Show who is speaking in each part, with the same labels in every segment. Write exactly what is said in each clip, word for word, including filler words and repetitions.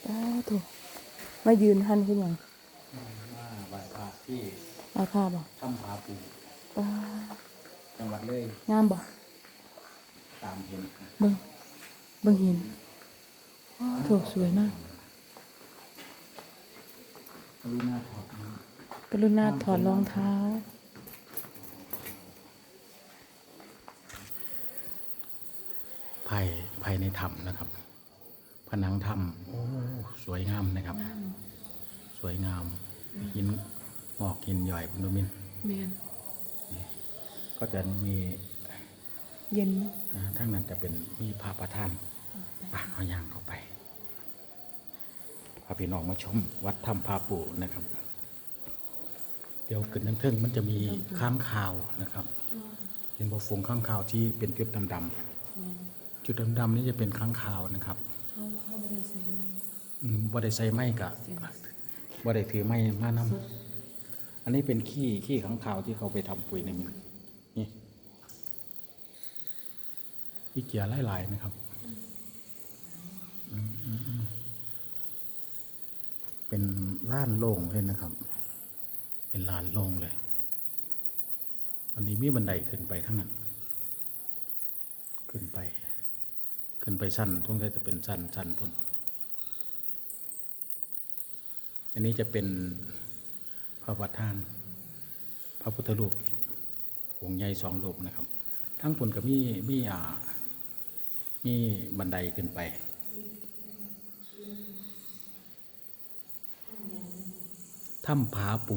Speaker 1: ตาถูกมายืนหันขึ้นยัง
Speaker 2: มาไหว้พระที่
Speaker 1: อาคาบ่
Speaker 2: ถ้ำผาปู
Speaker 1: ตา
Speaker 2: จังหวัดเลย
Speaker 1: งามบ่
Speaker 2: ตามเห็น
Speaker 1: เบิ่งเบิ่งเห็นถูกสวยมาก
Speaker 2: กรุณาถอด
Speaker 1: กรุณาถอดรองเท้า
Speaker 2: ภายภายในถ้ำนะครับผนังถ้ำโอ้สวยงามนะครับสวยงามหินหมอกหินย่อยคุณดูมิน
Speaker 1: แม่น
Speaker 2: ก็จะมี
Speaker 1: เย็น
Speaker 2: ทั้งนั้นจะเป็นมีพระประธานปะเอาย่างเข้าไปพาพี่น้องมาชมวัดถ้ำผาปูนะครับเดี๋ยวขึ้นทั้งเทิงมันจะมีค้างคาวนะครับเห็นบ่ฝูงค้างคาวที่เป็นจุดดำๆจุดดำๆนี่จะเป็นค้างคาวนะครับบ่ได้ใส่ไม้กะบ่ได้ถือไม้มานำอันนี้เป็นขี้ขี้ค้างคาวที่เขาไปทำปุ๋ยในมันนี่ขี้เกียร์หลายๆนะครับเป็นลานโล่งเลยนะครับเป็นลานโล่งเลยอันนี้มีบันไดขึ้นไปทั้งนั้นขึ้นไปขึ้นไปชั้นทุกท่าจะเป็นชั้นชั้นพุ่นอันนี้จะเป็นพระประธานพระพุทธรูปองค์ใหญ่สองรูปนะครับทั้งพุ่นก็มีมีอ่ามีบันไดขึ้นไปถ้ำผาปู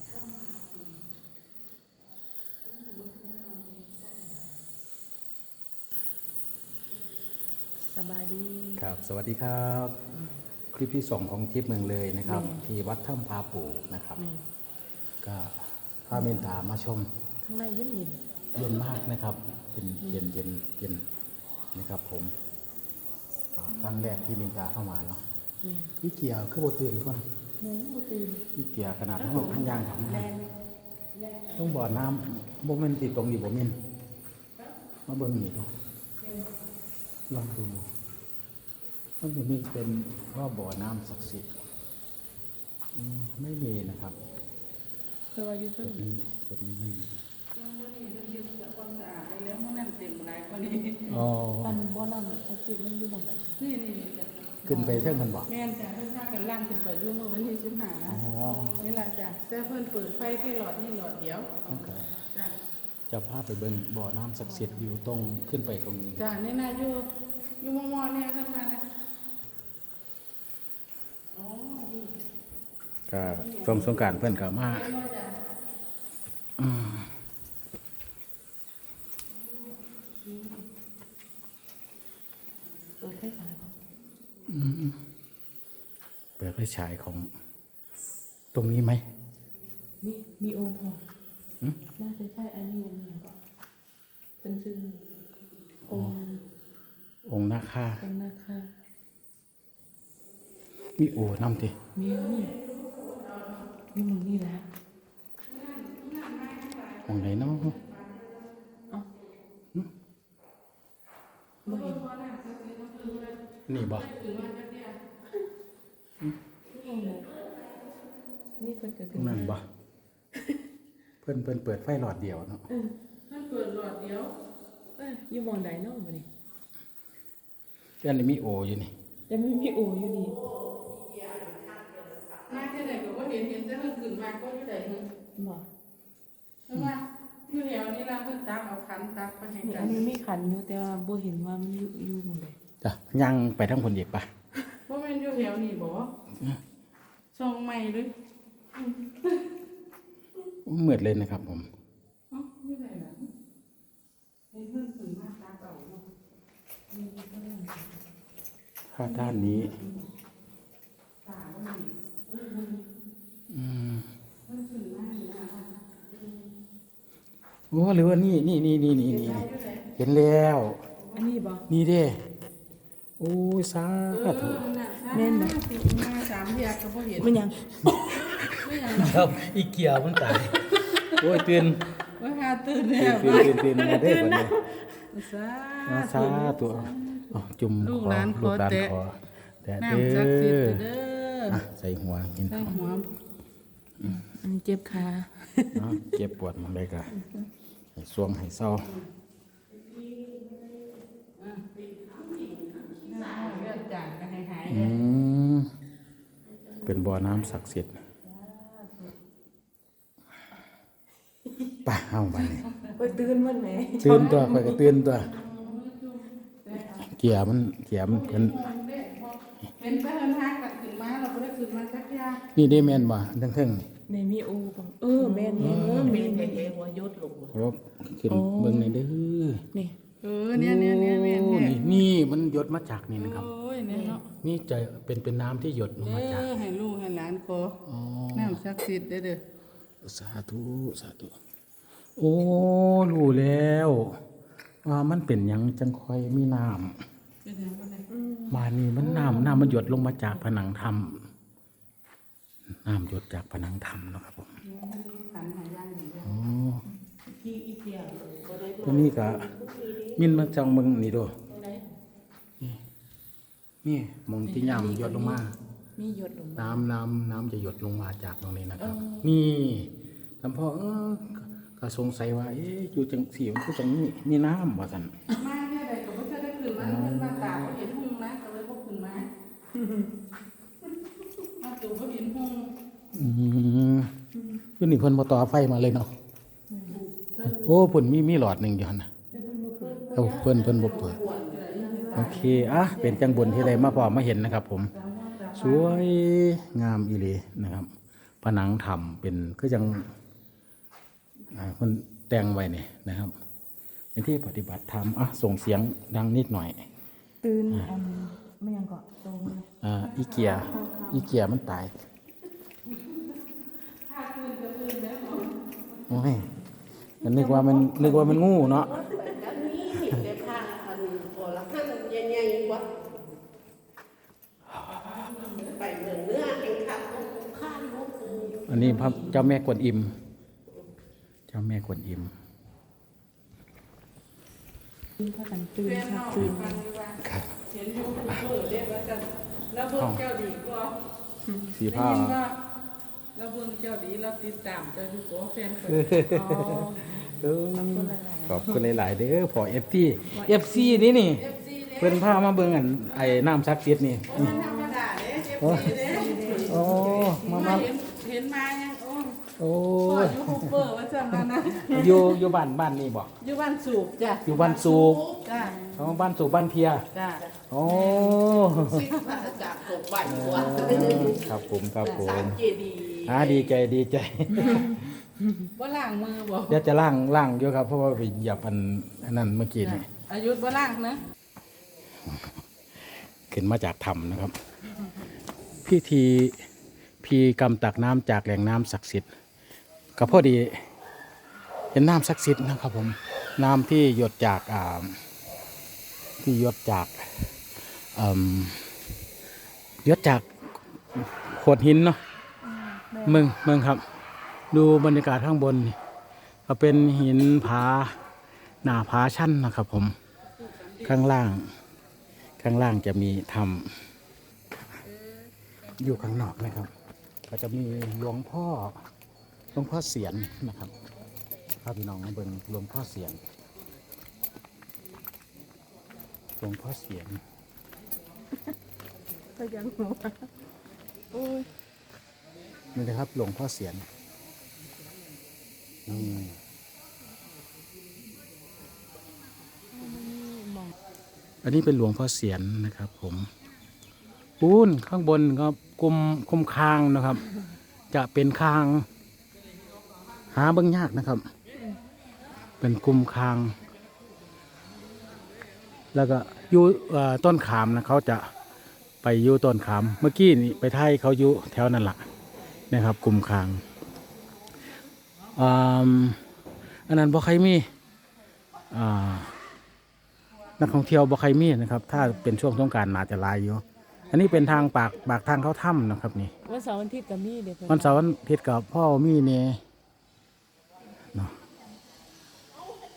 Speaker 1: สบายดี
Speaker 2: ครับสวัสดีครับคลิปที่สองของทริปเมืองเลยนะครับที่วัดถ้ำผาปูนะครับก็พาเมนตามาชม
Speaker 1: ข้างในเย็นเย็น
Speaker 2: เย็นมากนะครับเป็นเย็นเย็นเย็นนะครับผมครั้งแรกที่เมนตาเข้ามาเนาะนี่เกียร์คือโบตื่นก่อนนี่เกียร์ขนาดทั้งหมดทั้งยางของมันต้องบ่อน้ำโมเมนติดตรงนี้บ่มินมาเบิ่งนี่ดูลองดูมันจะมีเป็นว่าบ่อน้ำศักดิ์สิทธิ์ไม่มีนะครับ
Speaker 1: คือว่าอยู่ที่
Speaker 2: นี้จุดนี้ไม่มี
Speaker 1: อ๋อปันบ่อน้ำศักดิ์สิทธิ์มันอยู่ตรงไหนนี่นี่
Speaker 2: ขึ้นไปเท่านั้นบ่
Speaker 1: แม่นจ้ะเพิ่นพากันล่างขึ้นไปอยู่เมื่อวันที่สิบห้าอ๋อนี่แหละจ้ะแต่เพิ่นเปิดไฟแค่หลอดนี่หลอดเดียวจ้ะ
Speaker 2: จะพาไปเบิ่งบ่อน้ำศักดิ์สิทธิ์อยู่ตรงขึ้นไปตรงนี้
Speaker 1: จ้ะนี่น่ะอยู่อยู่มอๆเนี่ยขึ้นมานะอ๋อดี
Speaker 2: ก็ช่วงสงกรานต์เพิ่นก็มาอืม
Speaker 1: เปิดไฟฉาย
Speaker 2: อืมเปิดไฟฉายของตรงนี้ไหม
Speaker 1: มีมีองค์พอน่าจะใช่อันนี้องค์นี้ก็เป็นชื่อองค์
Speaker 2: องค์นาคา
Speaker 1: องค์นาคา
Speaker 2: มีโอ้น้ำติ
Speaker 1: มีนี่มีมึงนี่แหละ
Speaker 2: องค์ไหนเนาะ
Speaker 1: อ๋อบ่เห็น
Speaker 2: นี่บ่
Speaker 1: นี่เพิ่นก็
Speaker 2: คือนั่นบ่เพิ่นเพิ่นเปิดไฟหลอดเดียวเนาะ
Speaker 1: เออเพิ่นเปิดหลอดเดียวเอ้ยอยู่หม้องใดเนาะบัดนี้
Speaker 2: อันนี้มีโออยู่นี่
Speaker 1: แต่ไม่มีโออยู่นี่มาแค่ไหนก็บ่เห็นเห็นแต่เพิ่นขึ้นมาก็อยู่ใดนึงบ่เพราะว่าอยู่แถวนี้ล่ะเพิ่นตักเอาขันตักไปให้กันอันนี้มีขันอยู่แต่ว่าบ่เห็นว่ามันอยู่อยู่หม้องใด
Speaker 2: จ้ะย่างไปทางพุ่นอีกป่ะ
Speaker 1: บ่แม่นอยู่แถวนี้บ่ส่องใหม่เลย
Speaker 2: มืดเลยนะครับผม
Speaker 1: อ๋ออยู่ไหนล่ะเห็นเพิ่นขึ้นมาตาเก่าเนาะ
Speaker 2: ถ้าด้านนี้อืมโอ้หรือว่านี่นี่นี่นี่นี่นี่เห็นแล้ว
Speaker 1: อันนี้บ่
Speaker 2: นี่เด้โอ้ยสาธุ
Speaker 1: แม่นบ่มาสามเดือนก็บ่เห็นมันยังไม่ยัง
Speaker 2: ครับอีเกียมันตายโอ้ยตื่น
Speaker 1: ว่าหาตื่นแล้ว
Speaker 2: ตื่นตื่นตื่นมาได้บัดนี้
Speaker 1: สา
Speaker 2: สาธุจุ่มขอลูกหลานขอแต่เด้
Speaker 1: น้ำศักดิ์สิทธิ์
Speaker 2: อ
Speaker 1: เด้อ
Speaker 2: อ่ะใส่หัวกิน
Speaker 1: ใส่หัวอันนี้เจ็บขา
Speaker 2: เนาะเจ็บปวดมันเลยก็ให้สวงให้เศร้า
Speaker 1: เลือดจางก็ให้หาย
Speaker 2: อืมเป็นบ่อน้ำศักดิ์สิทธิ์ไป่าเอาไปนี่
Speaker 3: ไปตื่นมันแหม
Speaker 2: ตื่นตัวไปก็ตื่นตัว เกียร์มันเกียร์มันเป็น
Speaker 1: เป็นไปเดินทางกลับขึ้นมาเราไม่ได้ขึ้นมาสักยา
Speaker 2: นี่ได้แม่นบ่ทั้งเทิงนี่
Speaker 3: ในมีโอบ่เออแม่นแม่นเออแม่นแม่นแม่นหัวยศลง
Speaker 2: รบขึ้นเบิ่งในอยเด้อ
Speaker 3: นี่
Speaker 1: เออเนี่ยเนี่ยเนี่ยเนี่ย
Speaker 2: โอ้
Speaker 1: เนี่ย
Speaker 2: นี่นี่มันหยดมาจากนี่นะครับ
Speaker 1: โอ้ยเนี่ยเนาะ
Speaker 2: นี่จะเป็นเป็นน้ำที่หยดลง
Speaker 1: เอ
Speaker 2: มาจาก
Speaker 1: อให้ลูกให้หลานขอ
Speaker 2: อ๋อ
Speaker 1: น้ำศักดิ์สิทธิ์เด้อเด้อ
Speaker 2: สาธุสาธุโอ้รู้แล้วว่ามันเป็นหยังจังค่อยมีน้ำ
Speaker 1: เป็นยังไง
Speaker 2: มานี่มันน้ำน้ำมันหยดลงมาจากผนังถ้ำน้ำหยดจากผนังถ้ำเนาะครับผม
Speaker 1: ขันหายางดี
Speaker 2: อ๋อ
Speaker 3: ที่อีเกียบ่ได้
Speaker 2: ตัวนี้ก็มินมาจังเมืองนี่ดูนี่นี่มองที่ย่ำหยดลงมา
Speaker 3: มีหยดลงมา
Speaker 2: น้ำน้ำน้ำจะหยดลงมาจากตรงนี้นะครับ นี่ทำพ่อเออก็สงสัยว่าเอ๊ะอยู่จังสีมันคือจังนี้มีน้ำว่าสัน
Speaker 1: มาเนี่ยใดก็ไม่เคยได้ขึ้นมาเพิ่นมาตากเขาเห็นหุ่งนะก็เลยบ่ขึ้นมามาตู่เขาเห็นหุ่ง
Speaker 2: อืมคือนี่เพิ่นบ่ต่อไฟมาเลยเนาะโอ้เพิ่นมีมีหลอดหนึ่งอยู่หั่นน่ะเอ้าเพิ่นเพิ่นบ่เปิดโอเคอ่ะเป็นจังบุญที่ได้มาพอมาเห็นนะครับ ผมสวยงามอีหลีนะครับ ผนังถ้ำเป็นคือจังอ่าเพิ่นแต่งไว้นี่นะครับเป็นที่ปฏิบัติธรรมอ่ะส่งเสียงดังนิดหน่อย
Speaker 3: ตื่นอันไม่ยังเกาะตรง
Speaker 2: อ่าอีเกียอีเกียมันตายโอ้ยมันนึกว่ามันนึกว่ามันงูเนาะ
Speaker 4: เด็กข้างอันโอละข้างใหญ่ๆวะไปเมืองเนื้อแห่งข้างข้างนก
Speaker 2: อันนี้พระเจ้าแม่กวนอิม เจ้าแม่กวนอิม
Speaker 3: ตื่นพากันตื่น
Speaker 1: เพื่อน
Speaker 3: ค่ะ
Speaker 1: น้อง
Speaker 3: ตื่น
Speaker 1: ฟังดีว่า
Speaker 2: ครับ
Speaker 1: เห็นยูทูบเบอร์เรียกว่าจะแล้วเบิ่งเจ้าดีกว่า
Speaker 2: สี
Speaker 1: ได้
Speaker 2: ผ้า
Speaker 1: ยินว่าเราเบิ่งเจ้าดีเราติดตามเจ้าอยู่ตัวแฟนเปิด
Speaker 3: อ๋อ
Speaker 2: เออขอบคุณหลาย ๆ เด้อพอเอฟซีเอฟซีนี่นี่
Speaker 1: เอฟซีเนี่ย
Speaker 2: เพิ่นพามาเบิ่งอันไอ้น้ำซักเสียดนี่
Speaker 1: มันธรรมดาเนี่ยเอฟซีเนี่ย
Speaker 2: โอ้มามา
Speaker 1: เห็นเห็นมายังโอ้
Speaker 2: โอ้
Speaker 1: พ่อย ยูทูบเบอร์ว่าจำนั้นนะ
Speaker 2: อยู่อยู่บ้านบ้านนี่บ่
Speaker 1: อยู่บ้านสูบจ้ะ
Speaker 2: อยู่บ้านสูบ
Speaker 1: จ้ะ
Speaker 2: อ๋อบ้านสูบบ้านเพีย
Speaker 1: จ้ะ
Speaker 2: โอ้
Speaker 4: สิพระจากตกบ้านหัว
Speaker 2: ครับผมครับผ
Speaker 4: สาม มเจดีย์
Speaker 2: อ่าดีใจดีใจ
Speaker 1: ว่าล้างมือบ่
Speaker 2: เดี๋ยวจะล่างล่างอยู่ครับเพราะว่าไปเหยียบอันอันนั้นเมื่อกี้นี่
Speaker 1: อายุว่าล้างนะ
Speaker 2: ขึ้นมาจากถ้ำนะครับ พิธีพีกรรมตักน้ำจากแหล่งน้ำศักดิ์สิทธิ์ก็พอดีเห็นน้ำศักดิ์สิทธิ์นะครับผมน้ำที่หยดจากอ่าที่หยดจากเอ่มหยดจากโขดหินเนาะเมืองเมืองครับ ดูบรรยากาศข้างบนนี่ก็เป็นหินผาหน้าผาชั้นนะครับผมข้างล่าง ข้างล่างจะมีถ้ำอยู่ข้างนอกนะครับ ก็จะมีหลวงพ่อหลวงพ่อเสียนนะครับพาพี่น้องมาเบิ่งหลวงพ่อเสียนหลวงพ่อเสียน
Speaker 3: ก็ยังหัวโอ้ย
Speaker 2: นี่นะครับหลวงพ่อเสียนนี่
Speaker 3: มอง
Speaker 2: อันนี้เป็นหลวงพ่อเสียนนะครับ ผมปูนข้างบนก็กุมคุมคางนะครับ จะเป็นคาง หาเบิ่งยากนะครับ เป็นกุมคาง แล้วก็อยู่เอ่อต้นขามนะเขาจะไปอยู่ต้นขาม เมื่อกี้นี่ไปไทยเขาอยู่แถวนั่นแหละนะครับกุมคางอ่าอันนั้นบ่ใครมีอ่านักท่องเที่ยวบ่ใครมีนะครับ ถ้าเป็นช่วงสงกรานต์น่าจะหลายอยู่ อันนี้เป็นทางปากปากทางเข้าถ้ำนะครับนี่
Speaker 3: วันเสาร์วันอาทิตย์ก็มีเด้อเพิ่น
Speaker 2: วันเสาร์วันอาทิตย์กับพ่อมีเนี่ยเนาะ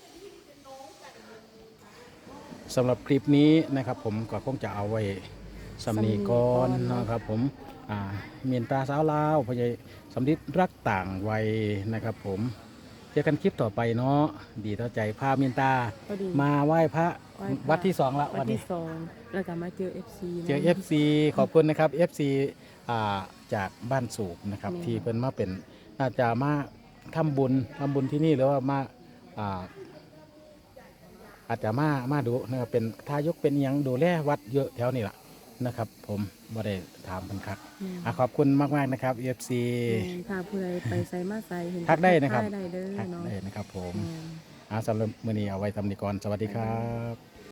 Speaker 2: สำหรับคลิปนี้นะครับ ผมก็คงจะเอาไว้สำนีก่อนเนาะครับผมอ่าเมียนตาสาวลาวพญายสำลิดรักต่างวัยนะครับผมเจอกันคลิปต่อไปเนาะดีต่อใจพาเมียนตา
Speaker 3: พอดี
Speaker 2: มาไหว้พระ
Speaker 3: ไหว้พระ
Speaker 2: วัดที่สองละ
Speaker 3: วั
Speaker 2: วัน น
Speaker 3: ที่
Speaker 2: นี้
Speaker 3: สองแล้วก็มาเจอ เอฟ ซี
Speaker 2: เจอ เอฟ ซี ขอบคุณนะครับ เอฟ ซี อ่าจากบ้านสูบนะครับ
Speaker 3: นี่
Speaker 2: ที่เพิ่นมาเป็นน่าจะมาทำบุญทำบุญที่นี่หรือว่ามาอ่าอาจจะมามาดูนะครับเป็นทายกเป็นหยังดูแลวัดเยอะแถวนี้ล่ะนะครับ ผมบ่ได้ถามเพิ่นครับอ่ะขอบคุณมากๆนะครับ เอฟ ซี
Speaker 3: แม่นพาผู้ใดไปใส่มาใส่เห็น
Speaker 2: ทักได้นะครับ
Speaker 3: ทักได้เด้อ
Speaker 2: ทัก
Speaker 3: เนาะ
Speaker 2: ได้นะครับผม
Speaker 3: แม่น
Speaker 2: อ่าสำหรับมื้อนี้เอาไว้ทำนี้ก่อนสวัสดีครับ